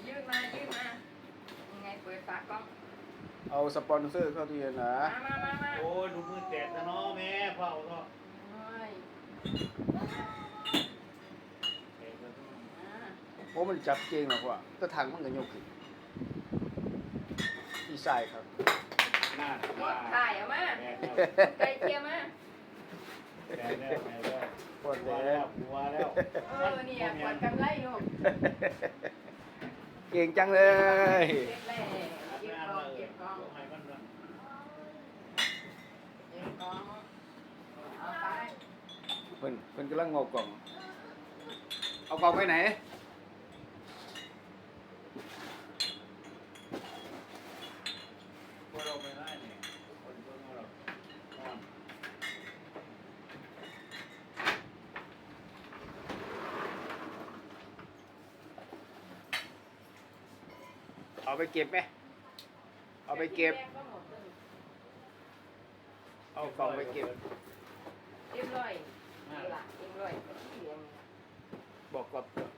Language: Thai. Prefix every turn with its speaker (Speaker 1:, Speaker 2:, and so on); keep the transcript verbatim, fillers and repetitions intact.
Speaker 1: ยื่นมายื่นมายังไงเปิดฝากล้อง
Speaker 2: เอาสปอนเซอร์เข้าตู้เย็นนะ
Speaker 1: มามามามา
Speaker 3: โอ้ยดูมือแตกนะเนาะแม่เผาเนาะ
Speaker 1: โอ้ยอ่า
Speaker 2: โอ้มันจับเก่งหรอกว่ะแตะทางมันก็ยกขึ้นที่ใส่ครับ
Speaker 3: หน้า
Speaker 1: หมดถ่ายเอามา
Speaker 3: แม่
Speaker 1: ไก่เทียมมา
Speaker 3: แม่แล้วแม่แล้ว
Speaker 2: ปวด
Speaker 3: หัว
Speaker 2: แล้
Speaker 3: แล้ว วหัวแล้ว
Speaker 1: เออเนี่ยปวดกำไรลูก
Speaker 2: เก่งจังเลย
Speaker 1: เก็บแร่เก็บกองเก็บกอง
Speaker 3: ให้มันนะ
Speaker 1: เก็บกองเอาไป
Speaker 2: เพิ่นเพิ่นกำลังงอกกล่องเอากล่องไปไหน
Speaker 3: พวกเราไม่ได้เนี่ยคนพวกเราอ่อน
Speaker 2: เอาไปเก็บไหมเอาไปเก็บเอากล่องไปเก็บ
Speaker 1: เรียบร้อยนี่ล่ะเรียบร้อยที่เรียน
Speaker 2: บอกกับ